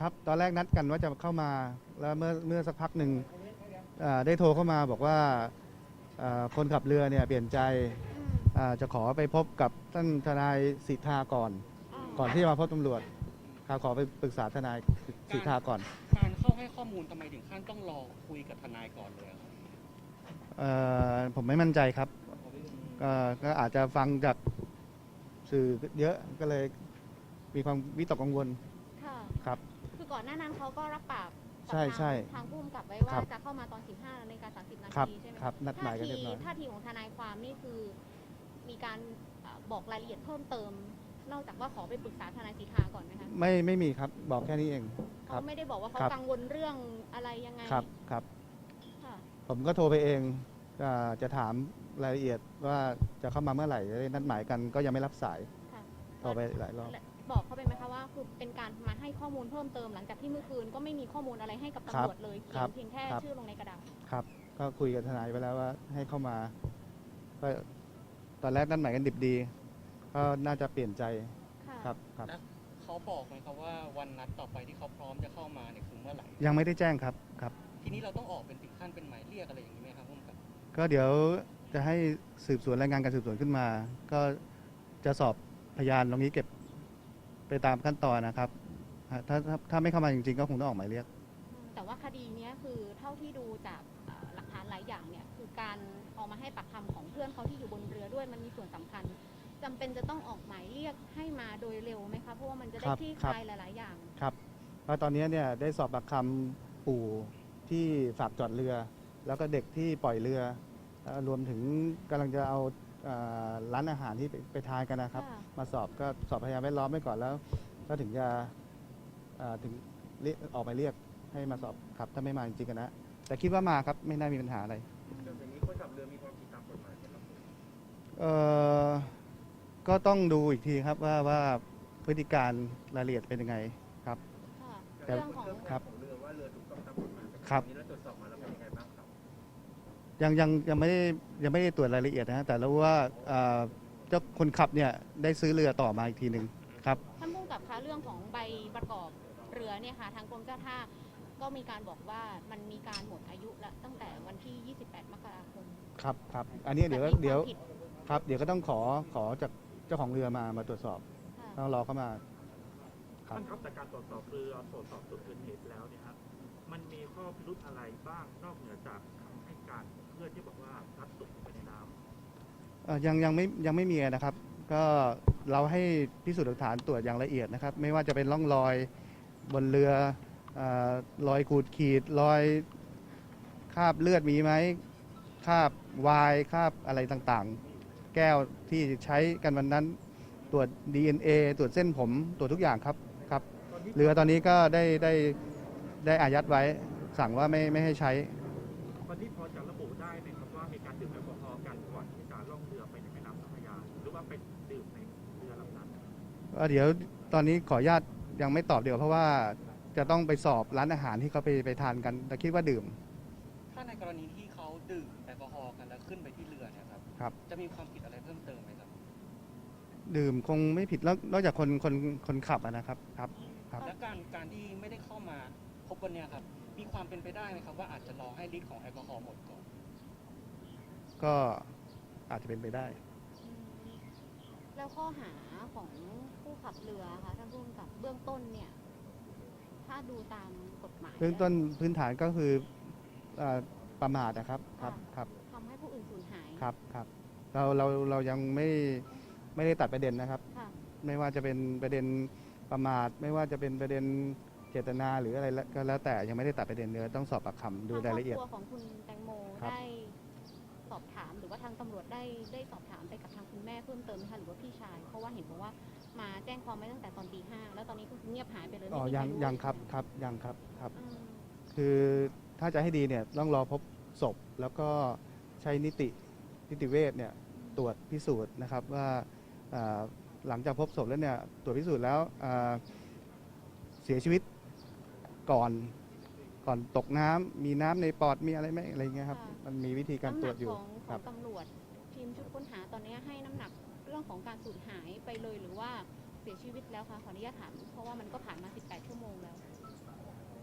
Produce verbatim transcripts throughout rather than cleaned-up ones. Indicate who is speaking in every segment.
Speaker 1: ครับตอนแรกนัดกันว่าจะเข้ามาแล้วเมื่อเมื่อสักพักหนึ่งอ่าได้โทรเข้ามาบอกว่าอ่าคนขับเรือเนี่ยเปลี่ยนใจ
Speaker 2: อืม
Speaker 1: อ่าจะขอไปพบกับท่านทนายสิทธาก่อน
Speaker 2: อ่า
Speaker 1: ก่อนที่จะมาพบตำรวจครับขอไปปรึกษาทนายสิทธาก่อน
Speaker 3: การเข้าให้ข้อมูลทำไมถึงขั้นต้องรอคุยกับทนายก่อนเลยอะครับ
Speaker 1: เอ่อผมไม่มั่นใจครับก็ก็อาจจะฟังจากสื่อเยอะก็เลยมีความวิตกกังวล
Speaker 2: ค่ะ
Speaker 1: ครับ
Speaker 2: คือก่อนหน้านั้นเขาก็รับปากกับ
Speaker 1: ใช่
Speaker 2: ทาง
Speaker 1: ใช่
Speaker 2: ทางผู้กำกับไว้
Speaker 1: ครั
Speaker 2: ว่า
Speaker 1: บ
Speaker 2: จะเข้ามาตอน สิบห้านาฬิกาสามสิบ นา
Speaker 1: ครับ
Speaker 2: ทีใช่ไหม
Speaker 1: ครับนัดหมายกันเรียบร้อย
Speaker 2: ท่าทีของทนายความนี่คือมีการเอ่อบอกรายละเอียดเพิ่มเติม นอกจากว่าขอไปปรึกษาทนายสิทธาก่อนไหมคะ
Speaker 1: ไม่ไม่มีครับบอกแค่นี้เองค
Speaker 2: เขา
Speaker 1: รับ
Speaker 2: ไม่ได้บอกว่าเขา
Speaker 1: ครับ
Speaker 2: กังวลเรื่องอะไรยังไง
Speaker 1: ครับครับ
Speaker 2: ค่ะ
Speaker 1: ผมก็โทรไปเองอ่าจะถามรายละเอียดว่าจะเข้ามาเมื่อไหร่จะได้นัดหมายกันก็ยังไม่รับสาย
Speaker 2: ค่ะ
Speaker 1: โทรไปหลายรอบ
Speaker 2: และบอกเขาไปไหมคะว่าคือเป็นการมาให้ข้อมูลเพิ่มเติมหลังจากที่เมื่อคืนก็ไม่มีข้อมูลอะไรให้กับตำรวจเลยเขี
Speaker 1: ครั
Speaker 2: ยน
Speaker 1: บ
Speaker 2: เพียงแค่
Speaker 1: ครับ
Speaker 2: ชื่อลงในกระดาษ
Speaker 1: ครับ ก็คุยกับทนายไปแล้วว่าให้เข้ามาก็ตอนแรกนัดหมายกันดิบดีก็น่าจะเปลี่ยนใจ
Speaker 2: ค่ะ
Speaker 1: ครับครับ
Speaker 3: แล้วเขาบอกไหมครับว่าวันนัดต่อไปที่เขาพร้อมจะเข้ามาเนี่ยคือเมื่อไหร่
Speaker 1: ยังไม่ได้แจ้งครับครับ
Speaker 3: ทีนี้เราต้องออกเป็นถึงขั้นเป็นหมายเรียกอะไรอย่างนี้ไหมครับพุ่มกับ
Speaker 1: ก็เดี๋ยวจะให้สืบสวนรายงานการสืบสวนขึ้นมา ก็จะสอบพยานตรงนี้เก็บไปตามขั้นตอนนะครับอ่าถ้าถ้าถ้าไม่เข้ามาจริงๆ ก็คงต้องออกหมายเรียก
Speaker 2: แต่ว่าคดีเนี้ยคือเท่าที่ดูจากเอ่อหลักฐานหลายอย่างเนี่ยคือการเอามาให้ปากคำของเพื่อนเขาที่อยู่บนเรือด้วยมันมีส่วนสำคัญจำเป็นจะต้องออกหมายเรียกให้มาโดยเร็วไหมคะเพราะว่ามันจะได้
Speaker 1: ครับ
Speaker 2: คลี่
Speaker 1: ค
Speaker 2: ครับ ลายหลาย ๆ อย่าง
Speaker 1: ครับเพราะตอนนี้เนี่ยได้สอบปากคำปู่ที่ฝากจอดเรือ แล้วก็เด็กที่ปล่อยเรือเอ่อรวมถึงกำลังจะเอาเอ่อร้านอาหารที่ไปไปทานกันนะครับ
Speaker 2: ค่ะ
Speaker 1: มาสอบก็สอบพยานแวดล้อมไว้ก่อนแล้ว ก็ถึงจะเอ่อถึงเรียกออกหมายเรียกให้มาสอบครับถ้าไม่มาจริงๆกันนะแต่คิดว่ามาครับไม่น่ามีปัญหาอะไร
Speaker 4: อย่างนี้คนขับเรือมีความผิดตามกฎหมายไหมครับ
Speaker 1: เอ่อก็ต้องดูอีกทีครับว่าว่าพฤติการรายละเอียดเป็นยังไงครับ
Speaker 2: ค่ะ
Speaker 1: แต่
Speaker 2: เรื่องของ
Speaker 1: ครับ
Speaker 4: ของเรือว่าเรือถูกต้องตามกฎหมายไหม
Speaker 1: ครับ
Speaker 4: วันนี้เราตรวจสอบมาแล้วเป็นยังไงบ้างครับ
Speaker 1: ยังยังยังไม่ได้ยังไม่ได้ตรวจรายละเอียดนะฮะแต่รู้ว่าเอ่อเจ้าคนขับเนี่ยได้ซื้อเรือต่อมาอีกทีหนึ่งครับ
Speaker 2: ท่านผู้กำกับคะเรื่องของใบประกอบเรือเนี่ยค่ะทางกรมเจ้าท่าก็มีการบอกว่ามันมีการหมดอายุแล้วตั้งแต่วันที่ ยี่สิบแปด มกราคม
Speaker 1: ครับครับอันนี้เดี๋ยว
Speaker 2: แต่มี
Speaker 1: เดี๋ยว
Speaker 2: ความผิด
Speaker 1: ครับเดี๋ยวก็ต้องขอขอจากเจ้าของเรือมามาตรวจสอบ
Speaker 2: ค่ะ
Speaker 1: ต้องรอเข้ามาครับ
Speaker 5: ท่านครับแต่การตรวจสอบเรือตรวจสอบจุดเกิดเหตุแล้วเนี่ยครับมันมีข้อพิรุธอะไรบ้างนอกเหนือจากคำให้การของเพื่อนที่บอกว่าพลัดตกลงไปในน้ำ
Speaker 1: เอ่อยังยังไม่ยังไม่มีนะครับ ก็เราให้พิสูจน์หลักฐานตรวจอย่างละเอียดนะครับ ไม่ว่าจะเป็นร่องรอยบนเรือเอ่อรอยขูดขีดรอยคราบเลือดมีไหมคราบวายคราบอะไรต่างๆ แก้วที่ใช้กันวันนั้นตรวจ ดี เอ็น เอ ตรวจเส้นผมตรวจทุกอย่างครับครับ เรือตอนนี้ก็ได้ได้ได้อายัดไว้สั่งว่าไม่ไม่ให้ใช้
Speaker 5: วันนี้พอจะระบุได้ไหมครับว่ามีการดื่มแอลกอฮอล์กันก่อนที่จะล่องเรือไปในแม่น้ำเจ้าพระยาหรือว่าไปดื่มในเรือลำนั้น
Speaker 1: เอ่อเดี๋ยวตอนนี้ขออนุญาตยังไม่ตอบเดี๋ยวเพราะว่าจะต้องไปสอบร้านอาหารที่เขาไปไปทานกัน แต่คิดว่าดื่ม
Speaker 3: ถ้าในกรณีที่เขาดื่มแอลกอฮอล์กันแล้วขึ้นไปที่เรือเนี่ยครับ
Speaker 1: ครับ
Speaker 3: จะมีความผิดอะไรเพิ่มเติมไหมครับ
Speaker 1: ดื่มคงไม่ผิดแล้วนอกจากคนคนคนขับอะนะครับครับครับ
Speaker 3: และการการที่ไม่ได้เข้ามาพบวันเนี้ยครับมีความเป็นไปได้ไหมครับว่าอาจจะรอให้ฤทธิ์ของแอลกอฮอล์หมดก่อน
Speaker 1: ก็อาจจะเป็นไปได้
Speaker 2: อืมแล้วข้อหาของผู้ขับเรือค่ะท่านผู้กำกับเบื้องต้นเนี่ย ถ้าดูตามกฎหมาย
Speaker 1: เบื้องต้นพื้นฐานก็คือเอ่อประมาทนะครับครับครับ
Speaker 2: ทำให้ผู้อื่นสูญหาย
Speaker 1: ครับครับเราเราเรายังไม่ไม่ได้ตัดประเด็นนะครับ
Speaker 2: ค่ะ
Speaker 1: ไม่ว่าจะเป็นประเด็นประมาท ไม่ว่าจะเป็นประเด็นเจตนาหรืออะไรก็แล้วแต่ยังไม่ได้ตัดประเด็นเนื้อต้องสอบปากคำดูรายละเอียด
Speaker 2: ทงครอบครัวของคุณแตงโม
Speaker 1: ครับ
Speaker 2: ได้สอบถามหรือว่าทางตำรวจได้ได้สอบถามไปกับทางคุณแม่เพิ่มเติมไหมคะหรือว่าพี่ชาย เพราะว่าเห็นบอกว่ามาแจ้งความไว้ตั้งแต่ตอนตีห้าแล้วตอนนี้ก็คือเงียบหายไปเลย
Speaker 1: อ๋อ
Speaker 2: ไม่มีใคร
Speaker 1: ยัง
Speaker 2: รู้
Speaker 1: ยัง
Speaker 2: เลย
Speaker 1: ครับ
Speaker 2: ใช่ไหม
Speaker 1: ครับยังครับครับ
Speaker 2: อืม
Speaker 1: คือถ้าจะให้ดีเนี่ยต้องรอพบศพแล้วก็ใช้นิตินิติเวชเนี่ยตรวจพิสูจน์นะครับว่าอ่าหลังจากพบศพแล้วเนี่ยตรวจพิสูจน์แล้วอ่าเสียชีวิตก่อนก่อนตกน้ำมีน้ำในปอดมีอะไรไหมอะไรเงี้ยครับมันมีวิธีการ
Speaker 2: น้ำ
Speaker 1: ต
Speaker 2: ห
Speaker 1: ร
Speaker 2: นั
Speaker 1: วจอยู่
Speaker 2: ของข
Speaker 1: ครั
Speaker 2: อง
Speaker 1: บ
Speaker 2: ตำรวจทีมชุดค้นหาตอนนี้ให้น้ำหนักเรื่องของการสูญหายไปเลยหรือว่าเสียชีวิตแล้วคะขออนุญาตถามเพราะว่ามันก็ผ่านมาสิบแปดชั่วโมงแล้ว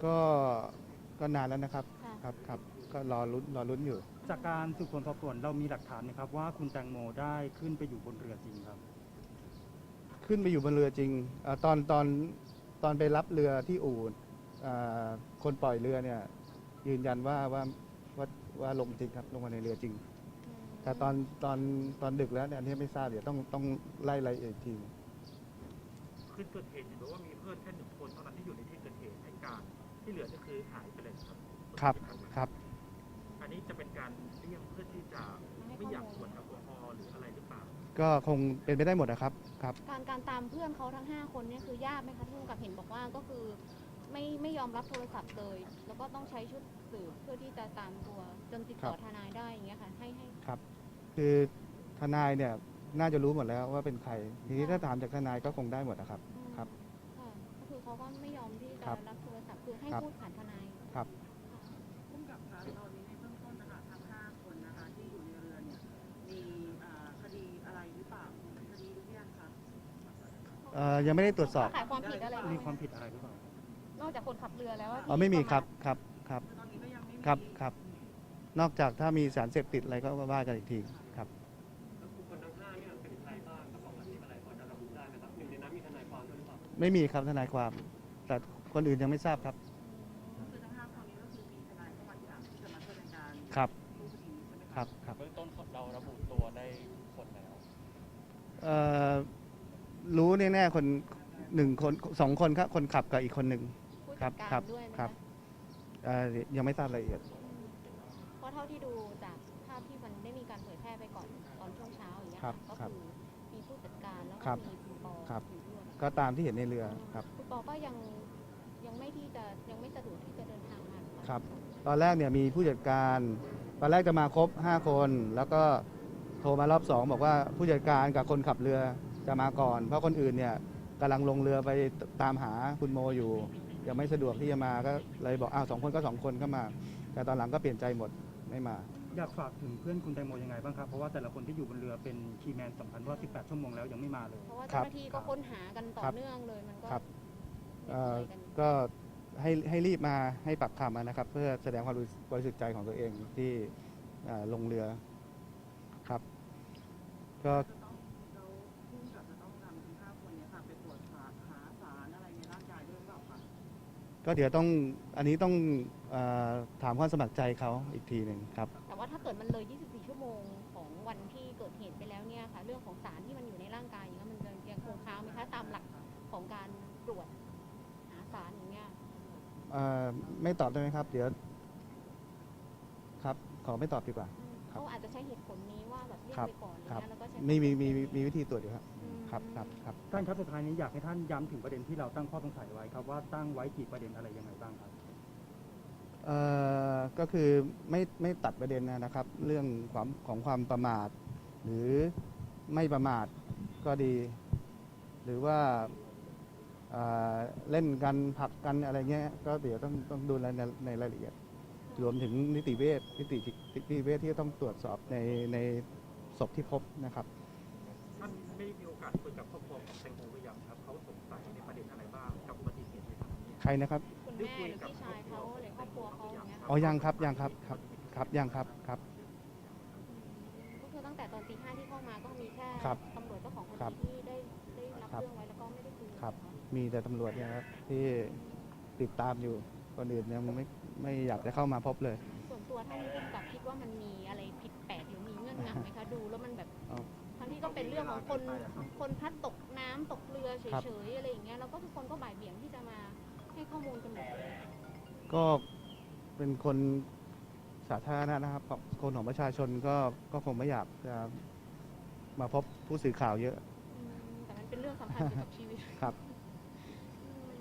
Speaker 1: ก็ก็นานแล้วนะครับ
Speaker 2: ค่ะ
Speaker 1: ครับครับก็รอลุ้นรอลุ้นอยู่
Speaker 6: จากการสืบสวนสอบสวนเรามีหลักฐานนะครับว่าคุณแตงโมได้ขึ้นไปอยู่บนเรือจริงครับ
Speaker 1: ขึ้นไปอยู่บนเรือจริงเออตอนตอนตอนไปรับเรือที่อู่เอ่อคนปล่อยเรือเนี่ยยืนยันว่าว่าว่าว่าลงจริงครับลงมาในเรือจริง แต่ตอนตอนตอนดึกแล้วเนี่ยอันนี้ไม่ทราบเดี๋ยวต้องต้องไล่รายละเอียดอีกที
Speaker 5: คืนเกิดเหตุเห็นบอกว่ามีเพื่อนแค่หนึ่งคนเท่านั้นที่อยู่ในที่เกิดเหตุให้การที่เหลือก็คือหายไปเลยครับ
Speaker 1: ครับครับ
Speaker 5: อันนี้จะเป็นการเลี่ยงเพื่อที่จะไม่อยากตรวจแอลกอฮอล์หรืออะไรหรือเปล่า
Speaker 1: ก็คงเป็นไปได้หมดนะครับครับ
Speaker 2: การการตามเพื่อนเขาทั้งห้าคนเนี่ยคือยากไหมคะที่ผู้กำกับเห็นบอกว่าก็คือไม่ไม่ยอมรับโทรศัพท์เลย แล้วก็ต้องใช้ชุดสืบเพื่อที่จะตามตัวจนติดต่อทนายได้อย่างเงี้ยค่ะให้ให้
Speaker 1: ครับ คือทนายเนี่ยน่าจะรู้หมดแล้วว่าเป็นใคร ทีนี้ถ้าถามจากทนายก็คงได้หมดนะครับ
Speaker 2: อืม
Speaker 1: ครับ
Speaker 2: ค่ะก็คือเขาก็ไม่ยอมที่จะ
Speaker 1: ครับ
Speaker 2: รับโทรศัพท์คือให้
Speaker 1: ครับ
Speaker 2: พูดผ่านทนาย
Speaker 1: ครับ
Speaker 7: พุ่มกับคะตอนนี้ในเบื้องต้นนะคะทั้งห้าคนนะคะที่อยู่ในเรือเนี่ยมีอ่าคดีอะไรหรือเปล่าคดีหรือยังคะ
Speaker 1: เอ่อยังไม่ได้ตรวจสอบ
Speaker 2: ขายความผิดอะไรบ้าง
Speaker 6: มี
Speaker 2: ไห
Speaker 6: ความผิดอะไรหรือเปล่า
Speaker 2: นอกจากคนขับเรือแล้วว่า
Speaker 1: อ๋อไม่มีครับครับครับ
Speaker 7: คือตอนนี้ก็ยังไม่มี
Speaker 1: ครับครับ นอกจากถ้ามีสารเสพติดอะไรก็ว่ากันอีกทีครับ
Speaker 3: คนทั้งห้าเนี่ยเป็นใครบ้างครับของอาชีพอะไรพอจะระบุได้ไหมครับหนึ่งในนั้นมีทนายความด้วยหรือเปล่า
Speaker 1: ไม่มีครับทนายความ แต่คนอื่นยังไม่ทราบครับ
Speaker 7: คือทั้งห้าคนนี้ก็คือมีทนายเข้ามาทีหลังที่จะมาช่วยในการ
Speaker 1: ครับ
Speaker 7: สู้คดีใช่ไหม
Speaker 1: ครับครับ
Speaker 3: เบื้องต้นเราระบุตัวได้คนแล้ว
Speaker 1: เอ่อรู้แน่ๆคนหนึ่งคนสองคนครับคนขับกับอีกคนหนึ่ง
Speaker 2: ผู้
Speaker 1: ครั
Speaker 2: จั
Speaker 1: บ
Speaker 2: ดการ
Speaker 1: ครับ
Speaker 2: ด้วยไหม
Speaker 1: ครั
Speaker 2: คะ
Speaker 1: บ เอ่อยังไม่ทราบรายละเอียด
Speaker 2: เพราะเท่าที่ดูจากภาพที่มันได้มีการเผยแพร่ไปก่อนตอนช่วงเช้าอย่างเงี้ย
Speaker 1: ครั
Speaker 2: ค่ะ
Speaker 1: บ
Speaker 2: ก็
Speaker 1: ครับ
Speaker 2: คือมีผู้จัดการแล้ว
Speaker 1: ครั
Speaker 2: ก็
Speaker 1: บ
Speaker 2: มีคุณปอ
Speaker 1: ครับ
Speaker 2: อยู่ด้วย
Speaker 1: ก็ตามที่เห็นในเรือครับ
Speaker 2: คุณปอก็ยังยังไม่ที่จะยังไม่สะดวกที่จะเดินทางมาหอเปล่า
Speaker 1: ครับ ตอนแรกเนี่ยมีผู้จัดการ ตอนแรกจะมาครบห้าคน แล้วก็โทรมารอบสองบอกว่าผู้จัดการกับคนขับเรือจะมาก่อน เพราะคนอื่นเนี่ยกำลังลงเรือไปตามหาคุณโมอยู่ ยังไม่สะดวกที่จะมาก็เลยบอกอ้าวสองคนก็สองคนก็มา แต่ตอนหลังก็เปลี่ยนใจหมดไม่มา
Speaker 6: อยากฝากถึงเพื่อนคุณแตงโมยังไงบ้างครับ เพราะว่าแต่ละคนที่อยู่บนเรือเป็นคีย์แมนสำคัญว่าสิบแปดชั่วโมงแล้วยังไม่มาเลย
Speaker 2: เพราะว่า
Speaker 1: ครั
Speaker 2: เจ้า
Speaker 1: บ
Speaker 2: หน้าที่ก็ค้นหากันต่อ
Speaker 1: ครับ
Speaker 2: เนื่องเลยมันก็
Speaker 1: ครับ
Speaker 2: เหนื่
Speaker 1: เอ่อ
Speaker 2: อยกัน
Speaker 1: ก็ให้ให้รีบมาให้ปากคำนะครับ เพื่อแสดงความบริสุทธิ์ใจของตัวเองที่เอ่อลงเรือครับ ก็
Speaker 7: จะต้องเราพุ่มกับจะต้องนำทั้งห้าคนเนี่ยค่ะไปตรวจหาหาสารอะไรในร่างกายด้วยหรือเปล่าคะ
Speaker 1: ก็เดี๋ยวต้องอันนี้ต้องเออถามความสมัครใจเขาอีกทีหนึ่งครับ
Speaker 2: แต่ว่าถ้าเกิดมันเลย ยี่สิบสี่ ชั่วโมงของวันที่เกิดเหตุไปแล้วเนี่ยค่ะ เรื่องของสารที่มันอยู่ในร่างกายอย่างเงี้ยมันจะยังคงค้างไหมคะตามหลักของการตรวจหาสารอย่างเงี้ย
Speaker 1: เอ่อไม่ตอบได้ไหมครับ เดี๋ยวครับ ขอไม่ตอบดีกว่า
Speaker 2: อืม
Speaker 1: ครับ
Speaker 2: เขาอาจจะใช้เหตุผลนี้ว่าแบบเรียก
Speaker 1: ครับ
Speaker 2: ไปก่อนอะไร
Speaker 1: ครับ
Speaker 2: เงี้ยแล้วก็ใช้
Speaker 1: มีมีมีมีมีวิธีตรวจอยู่ครับ
Speaker 2: อืม
Speaker 1: ครับครับครับ
Speaker 6: ท่านครับสุดท้ายนี้อยากให้ท่านย้ำถึงประเด็นที่เราตั้งข้อสงสัยไว้ครับว่าตั้งไว้กี่ประเด็นอะไรยังไงบ้างครับ
Speaker 1: เอ่อก็คือไม่ไม่ตัดประเด็นนะครับ เรื่องความของความประมาท หรือไม่ประมาทก็ดี หรือว่าเอ่อเล่นกันผลักกันอะไรเงี้ยก็เดี๋ยวต้องต้องดูในในในรายละเอียด รวมถึงนิติเวชนิตินิติเวชที่ต้องตรวจสอบในในศพที่พบนะครับ
Speaker 5: ท่านได้มีโอกาสคุยกับครอบครัวของแตงโมหรือยังครับเขาสงสัยในประเด็นอะไรบ้างกับอุบัติเหตุในครั้งนี้
Speaker 1: ใครนะครับ
Speaker 2: คุณแม่หรือพี่ชายเขาหรือครอบครัวเขาอย่างเงี้ยค่ะ
Speaker 1: อ๋อยังครับยังครับครับครับยังครับครับ
Speaker 2: ก็คือตั้งแต่ตอนตีห้าที่เข้ามาก็มีแค่
Speaker 1: ครับ
Speaker 2: ตำรวจเจ้าของค
Speaker 1: ครับ
Speaker 2: ดีที่ได้ได้รับ
Speaker 1: ครับ
Speaker 2: เรื่องไว้แล้วก็ไม่ได้คุย
Speaker 1: ครับ มีแต่ตำรวจเนี่ยครับที่ติดตามอยู่คนอื่นยังไม่ไม่อยากจะเข้ามาพบเลย
Speaker 2: ส่วนตัวท่านผู้กำกับคิดว่ามันมีอะไรผิดแปลกหรือมีเงื่อนงำไหมคะดูแล้วมันแบบ
Speaker 1: เอา
Speaker 2: ทั้งที่ก็เป็นเรื่องของคนคนพลัดตกน้ำตกเรือเฉ
Speaker 1: ครับ
Speaker 2: ยๆอะไรอย่างเงี้ยแล้วก็ทุกคนก็บ่ายเบี่ยงที่จะมาให้ข้อมูลกันหมดเลย
Speaker 1: ก็เป็นคนสาธารณะนะครับของคนของประชาชนก็ก็คงไม่อยากจะมาพบผู้สื่อข่าวเยอะ
Speaker 2: อืมแต่มันเป็นเรื่องสำคัญเกี่ยวกับชีวิต
Speaker 1: ครับ
Speaker 2: อืม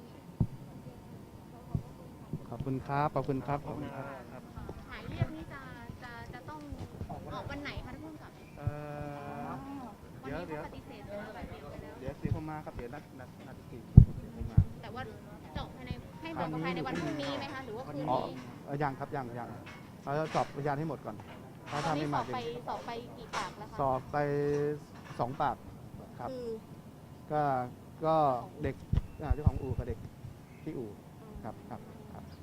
Speaker 1: ขอบคุณครับ ขอบคุณครับ ขอบคุณครับ
Speaker 2: หมายเรียกนี่จะจะจะต้องออกวันไหนคะท่านผู้กำกับ
Speaker 1: เอ่อ
Speaker 2: วัน
Speaker 1: เดี๋ยว
Speaker 2: นี้
Speaker 1: เดี๋ยว
Speaker 2: เขาปฏิเสธหรือว่าบ่ายเบี่ยงไปแล้ว
Speaker 1: เดี๋ยวสีผมมาครับ เดี๋ยวนัดนัดนัดอีกทีเดี๋ยวผมมา
Speaker 2: แต่ว่าจะออกภายในให้บอกภายในวันพรุ่งนี้ไหมคะหรือว่าคืน
Speaker 1: อ๋อ
Speaker 2: นี้
Speaker 1: เอ่อยังครับยังยังเราจะสอบพยานให้หมดก่อน ถ้า
Speaker 2: ตอน
Speaker 1: ทำ
Speaker 2: นี้
Speaker 1: ไม่
Speaker 2: ส
Speaker 1: มา
Speaker 2: อบ
Speaker 1: จริง
Speaker 2: ไปสอบไปกี่ปากแล้วคะ
Speaker 1: สอบไปสองปากครับ
Speaker 2: คือ
Speaker 1: ก็ก็เด็กอ่าเจ้าของอู่กับเด็กที่อู่ครับครับครับ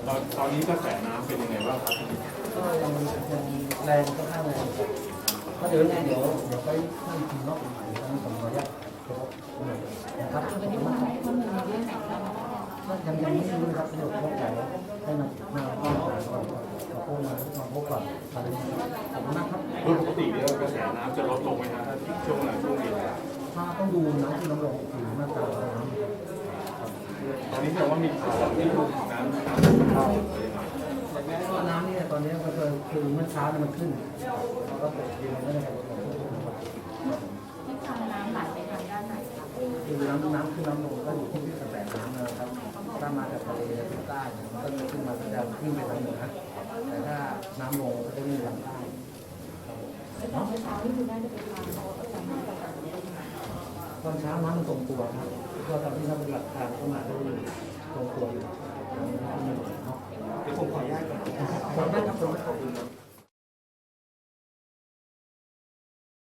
Speaker 8: ตอนตอนนี้กระแสน้ำเป็นยังไงบ้างครับ
Speaker 9: ก็ยังยังแรงก็ข้างแรงครับก็เดี๋ยวยังไงเดี๋ยวเดี๋ยวไปนั่งกินนอกอีกหน่อยนะครับผมขออนุญาตนะครับวันนี้มาให้ข้อมูลเรื่องไหนบ้างก็ยังยังไม่รู้นะครับเดี๋ยวพบกันให้มามาเข้ามาก่อนมาพบมามาพบก่อนอะไรขอบคุณมากครับ
Speaker 8: โดยปกติเนี่ยกระแสน้ำจะลดลงไหมครับถ้าช่วงไหนช่วงนี้
Speaker 9: ถ้าต้องดูน้ำที่น้ำลงคือมาตราน้ำ
Speaker 8: ตอนนี้แสดงว่ามีข่าวที่น้ำน้ำเข้า
Speaker 9: ก็น้ำนี่ตอนนี้ก็คือคือเมื่อเช้ามันขึ้นแล้วก็ตกเย็นไม่ได้ครับ
Speaker 7: ทิศทางน้ำไหลไปทางด้านไหนคะ
Speaker 9: คือน้ำน้ำขึ้นน้ำลงก็อยู่ที่กระแสน้ำนะครับถ้ามาจากทะเลทางใต้มันก็จะขึ้นมาจะขึ้นไปทางเหนือแต่ถ้าน้ำลงก็จะวิ่งทางใต้
Speaker 7: ตอนเช้านี่คือได้จะเป็นทางเขาก็จะมาจาก
Speaker 9: ตอนเช้าน้ำมันตรงตัวครับก็ตอนที่เราปฏิบัติการก็มาได้ตรงตัวอยู่เดี๋ยวผมขออนุญาตก่อนขออนุญาตครับผมขอบคุณครับ